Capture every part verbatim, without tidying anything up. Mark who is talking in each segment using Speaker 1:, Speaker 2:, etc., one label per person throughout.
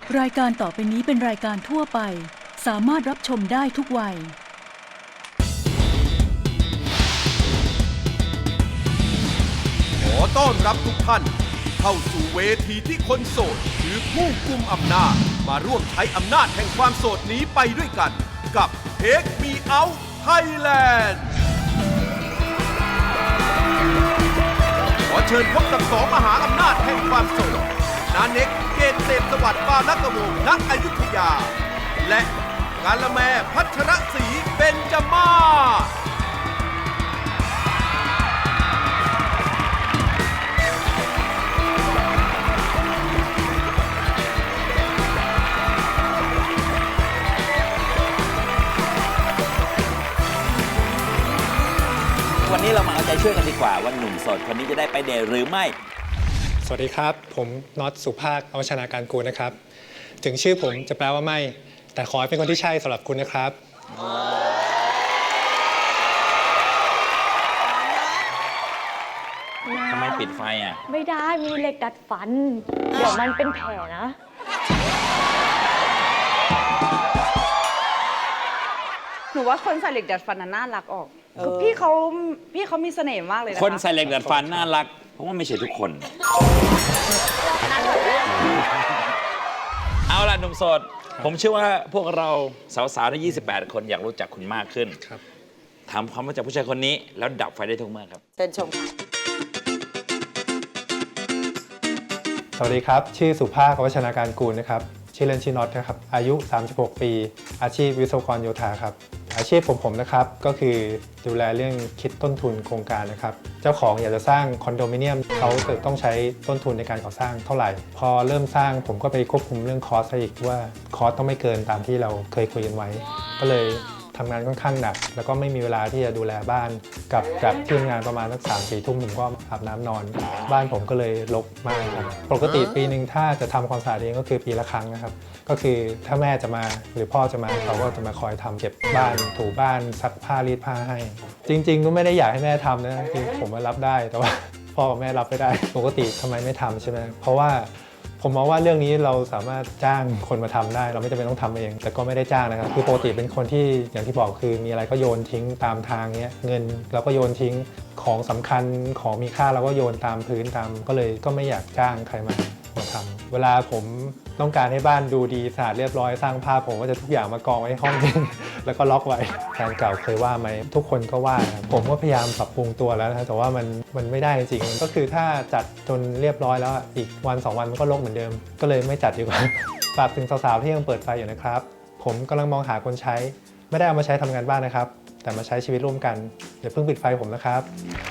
Speaker 1: รายการต่อไปนี้เป็นรายการทั่วไปสามารถรับชมได้ทุกวัย
Speaker 2: ขอต้อนรับทุกท่านเข้าสู่เวทีที่คนโสดคือผู้กุมอำนาจมาร่วมใช้อำนาจแห่งความโสดนี้ไปด้วยกันกับ Take Me Out Thailand ขอเชิญพบกับสองมหาอำนาจแห่งความโสดนาเน็กเกตเศษสวัสดิ์ปานักวงศ์ณอยุธยาและกาละแมพัชรศรีเบญจมาศ
Speaker 3: วันนี้เรามาเอาใจช่วยกันดีกว่าว่าหนุ่มโสดคนนี้จะได้ไปเดทหรือไม่
Speaker 4: สวัสดีครับผมน็อตสุภาคอวชนาการกูลนะครับถึงชื่อผมจะแปลว่าไม่แต่ขอให้เป็นคนที่ใช่สำหรับคุณนะครับ
Speaker 3: ทำไมปิดไฟอ่ะ
Speaker 5: ไม่ได้มีเหล็กดัดฟันเดี๋ยวมันเป็นแผลนะ
Speaker 6: หนูว่าคนใส่เหล็กดัดฟันน่ารักออกคือพี่เขาพี่เขามีเสน่ห์มากเลยนะคะ
Speaker 3: คนใส่เหล็กดัดฟันน่ารักเพราะว่าไม่ใช่ทุกคนเอาล่ะหนุ่มโสดผมเชื่อว่าพวกเราสาวๆทั้งยี่สิบแปดคนอยากรู้จักคุณมากขึ้นถามความรู้จักผู้ชายคนนี้แล้วดับไฟได้ทุกเมื่อครับ
Speaker 6: เชิญชม
Speaker 4: สวัสดีครับชื่อสุภาคอวชนาการกูลนะครับชื่อเล่นชื่อน็อตนะครับอายุสามสิบหกปีอาชีพวิศวกรโยธาครับอาชีพผมผมนะครับก็คือดูแลเรื่องคิดต้นทุนโครงการนะครับเจ้าของอยากจะสร้างคอนโดมิเนียมเขาจะต้องใช้ต้นทุนในการก่อสร้างเท่าไหร่พอเริ่มสร้างผมก็ไปควบคุมเรื่องคอสอีกว่าคอสต้องไม่เกินตามที่เราเคยคุยกันไว้ก็เลยทำงานค่อนข้างหนักแล้วก็ไม่มีเวลาที่จะดูแลบ้านกับกับที่ทำงานประมาณสักสามสี่ทุ่มผมก็อาบน้ำนอนบ้านผมก็เลยรกมากครับปกติปีหนึ่งถ้าจะทำความสะอาดเองก็คือปีละครั้งนะครับก็คือถ้าแม่จะมาหรือพ่อจะมาเขาก็จะมาคอยทำเก็บบ้านถูบ้านซักผ้ารีดผ้าให้จริงๆก็ไม่ได้อยากให้แม่ทำนะคือผมมารับได้แต่ว่าพ่อกับแม่รับไม่ได้ปกติทำไมไม่ทำใช่ไหมเพราะว่าผมมองว่าเรื่องนี้เราสามารถจ้างคนมาทำได้เราไม่จำเป็นต้องทำเองแต่ก็ไม่ได้จ้างนะครับคือปกติเป็นคนที่อย่างที่บอกคือมีอะไรก็โยนทิ้งตามทางเนี้ยเงินเราก็โยนทิ้งของสำคัญของมีค่าเราก็โยนตามพื้นตามก็เลยก็ไม่อยากจ้างใครมามาทำเวลาผมต้องการให้บ้านดูดีสะอาดเรียบร้อยสร้างภาพผมก็จะทุกอย่างมากองไว้ห้องนึงแล้วก็ล็อกไว้แฟนเก่าเคยว่าไหมทุกคนก็ว่าผมก็พยายามปรับปรุงตัวแล้วนะแต่ว่ามันมันไม่ได้จริงก็คือถ้าจัดจนเรียบร้อยแล้วอีกวันสองวันมันก็รกเหมือนเดิมก็เลยไม่จัดดีกว่าฝากถึงสาวๆที่ยังเปิดไฟอยู่นะครับผมกำลังมองหาคนใช้ไม่ได้เอามาใช้ทำงานบ้านนะครับแต่มาใช้ชีวิตร่วมกันอย่าเพิ่งปิดไฟผมนะครับ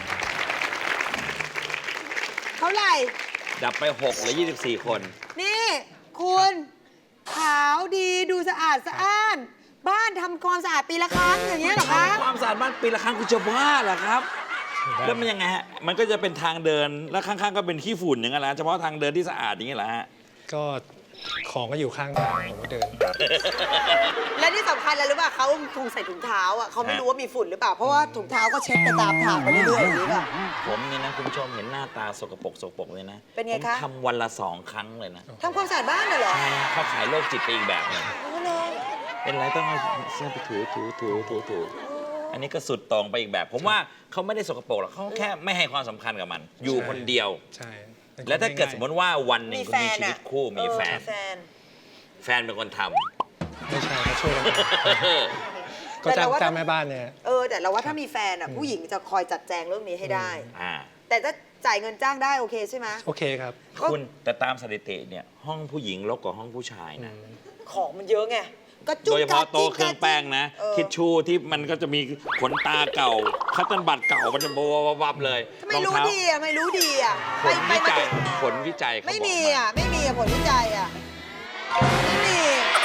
Speaker 6: เท่าไหร่
Speaker 3: ดับไปหกหรือยี่สิบสี่คน
Speaker 6: นี่คุณขาวดีดูสะอาดสะอ้านบ้านทำความสะอาดปีละครั้งอย่างเงี้ยเหรอคะ
Speaker 3: ความสะอาดบ้านปีละครั้งคุณจะบ้าเหรอครับแล้วมันยังไงฮะมันก็จะเป็นทางเดินแล้วข้างๆก็เป็นขี้ฝุ่นอย่างเงี้ยแหละเฉพาะทางเดินที่สะอาดอย่างเงี้ยแหละฮะ
Speaker 4: ก็ของก็อยู่ข้างทางผมก็เดิน
Speaker 6: และที่สำคัญอะไรรู้ป่ะเขาคงใส่ถุงเท้าอ่ะเขาไม่รู้ว่ามีฝุ่นหรือเปล่าเพราะว่าถุงเท้าก็เช็ดไปตามทางไปเรื่อยๆอย่างนี้ป่ะ
Speaker 3: ผมเนี่ยนะคุณผู้ชมเห็นหน้าตาสกปรกสกปรกเลยนะ
Speaker 6: เป็นไงคะ
Speaker 3: ผมทำวันละสองครั้งเลยนะ
Speaker 6: ทำความสะอาดบ้านเหรอ
Speaker 3: ใช่เขาขายโรคจิตไปอีกแบบนึงเป็นไรต้องเอาเสื้อไปถูถูถูถูถูอันนี้ก็สุดตรงไปอีกแบบผมว่าเขาไม่ได้สกปรกหรอกเขาแค่ไม่ให้ความสำคัญกับมันอยู่คนเดียว
Speaker 4: ใช่
Speaker 3: แล้วถ้าเกิดสมมติว่าวันหนึ่งคุณมีชีวิตคู่มีแฟนแฟนเป็นคนท
Speaker 4: ำไม่ใช่เขาช่วยกันก็จ้างจ้างแม่บ้านเนี่ย
Speaker 6: เออแต่เราว่าถ้ามีแฟนอ่ะผู้หญิงจะคอยจัดแจงเรื่องนี้ให้ได้แต่ถ้าจ่ายเงินจ้างได้โอเคใช่ไหม
Speaker 4: โอเคครับ
Speaker 3: คุณแต่ตามสถิติเนี่ยห้องผู้หญิงรกกว่าห้องผู้ชายนะ
Speaker 6: ของมันเยอะไง
Speaker 3: โดยเฉพาะโต๊ะเครื่องแป้งนะทิชชู่ที่มันก็จะมีขนตาเก่าคัตเติ้ลบัตรเก่ามันจะบวบเลย
Speaker 6: ไม่รู้ดีอ่ะไม่รู้ดีอ่ะ
Speaker 3: ผลวิจัยผลวิจัย
Speaker 6: ไม่มีอ่ะไม่มีผลวิจัยอ่ะไม่มี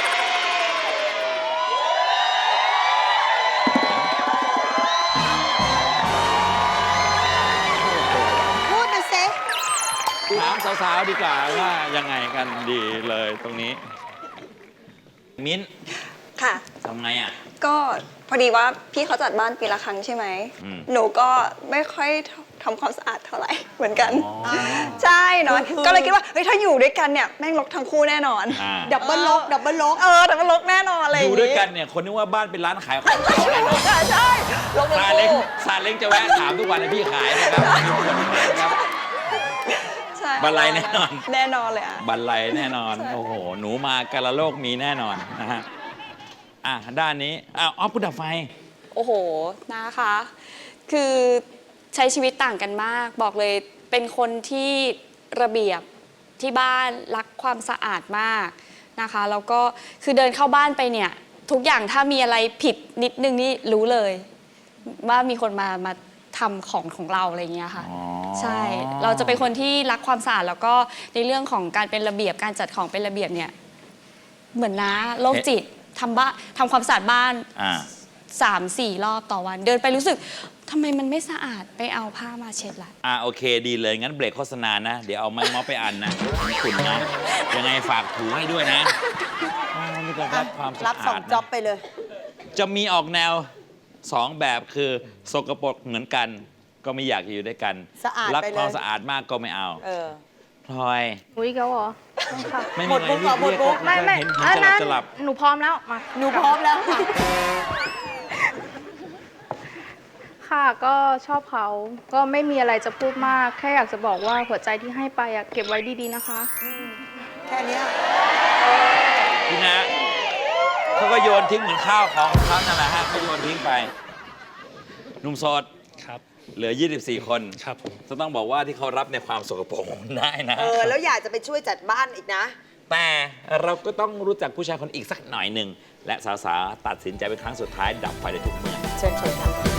Speaker 6: พูดมาเซ็
Speaker 3: ถามสาวๆดีกว่าว่ายังไงกันดีเลยตรงนี้มิ้น
Speaker 7: ค่ะ
Speaker 3: ทำไงอ่ะ
Speaker 7: ก็พอดีว่าพี่เขาจัดบ้านปีละครั้งใช่ไหมหนูก็ไม่ค่อยถทำความสะอาดเท่าไหร่เหมือนกันใช่เนาะ
Speaker 6: คือ
Speaker 7: ก็เลยคิดว่าเฮ้ยถ้าอยู่ด้วยกันเนี่ยแม่งรกทั้งคู่แน่นอน
Speaker 3: อ่า
Speaker 6: ดับเบิลลกดับเบิลลก
Speaker 7: เออแต่มันรกแน่นอนอะไรอ
Speaker 3: อยู่
Speaker 7: ย่าง
Speaker 3: ด้วย
Speaker 7: งี้
Speaker 3: กันเนี่ยคนนึกว่าบ้านเป็นร้านขายของเก่าแน่นอน
Speaker 7: ใช่ใช่รกทั้
Speaker 3: ซาง เล้ง
Speaker 7: คู่
Speaker 3: ซาเล้งจะแวะถามทุกวันเลยพี่ขายนะครับมีคนขายนะครับ
Speaker 7: ใช่
Speaker 3: บันไลแน่นอน
Speaker 7: แน่นอนเลยอ่ะ
Speaker 3: บันไลแน่นอน โอ้โห หนูมากาละโลกมีแน่นอนนะฮะ อ่ะ ด้านนี้อ้าวอ๋อผู้ดับไฟ
Speaker 8: โอ้โห นะคะ คือใช้ชีวิตต่างกันมาก บอกเลยเป็นคนที่ระเบียบที่บ้านรักความสะอาดมากนะคะ แล้วก็คือเดินเข้าบ้านไปเนี่ย ทุกอย่างถ้ามีอะไรผิดนิดนึงนี่รู้เลย ว่ามีคนมามาทำของของเราอะไรอย่างเงี้ยค่ะ
Speaker 3: อ๋อ
Speaker 8: ใช่ เราจะเป็นคนที่รักความสะอาดแล้วก็ในเรื่องของการเป็นระเบียบการจัดของเป็นระเบียบเนี่ยเหมือนนะโรคจิตทำบ้านทำความสะอาดบ้าน
Speaker 3: อ่า
Speaker 8: สามสี่รอบต่อวัน เดินไปรู้สึกทำไมมันไม่สะอาดไปเอาผ้ามาเช็ดละ
Speaker 3: อ่ะโอเคดีเลย งั้นเบรกโฆษณานะ เดี๋ยวเอาไม้ม็อบไปอันนะขุนนะ ยังไงฝากถูให้ด้วยนะอ้าวนี่ก็รักความสะ
Speaker 6: รับสอ
Speaker 3: อาง ด
Speaker 6: จ็อบ
Speaker 3: นะ
Speaker 6: ไปเลย
Speaker 3: จะมีออกแนวสองแบบคือสกปรกเหมือนกัน ก็ไม่อยากจะอยู่ด้วยกัน
Speaker 6: สะอาด
Speaker 3: รัก
Speaker 6: ไปเลย
Speaker 3: ความสะอาดมากก็ไม่เอา
Speaker 6: เออ
Speaker 3: พลอย
Speaker 9: อุ้ยเกาเหรอค่ะ
Speaker 3: ไม่
Speaker 6: หม
Speaker 3: มี
Speaker 6: ด
Speaker 3: อะไร
Speaker 6: มุก
Speaker 3: เรียก
Speaker 6: เหรอหมดมุก
Speaker 3: เรียก
Speaker 9: ไม่ไม่
Speaker 3: เห็น
Speaker 9: อัน
Speaker 3: เห็น
Speaker 9: นั้น
Speaker 3: จะหลับ
Speaker 9: หนูพร้อมแล้วมา
Speaker 6: หนูพร้อมแล้วค่ะ
Speaker 9: ค่ะก็ชอบเขาก็ไม่มีอะไรจะพูดมาก แค่อยากจะบอกว่าหัวใจที่ให้ไปอะเก็บไว้ดีๆนะคะ
Speaker 6: แค่เนี้ย
Speaker 3: พี่นะเขาก็โยนทิ้งเหมือนข้าวของเขานั่นแหละฮะเขาโยนทิ้งไปหนุ่มโสด
Speaker 10: ครับ
Speaker 3: เหลือ ยี่สิบสี่ คน
Speaker 10: ครับผม
Speaker 3: จะต้องบอกว่าที่เขารับในความสกปรกมันได้นะ
Speaker 6: เออ แล้วอยากจะไปช่วยจัดบ้านอีกนะ
Speaker 3: แต่เราก็ต้องรู้จักผู้ชายคนอีกสักหน่อยหนึ่ง และสาวๆตัดสินใจเป็นครั้งสุดท้ายดับไฟในทุกเมื่อ
Speaker 6: เชิญชมค่ะ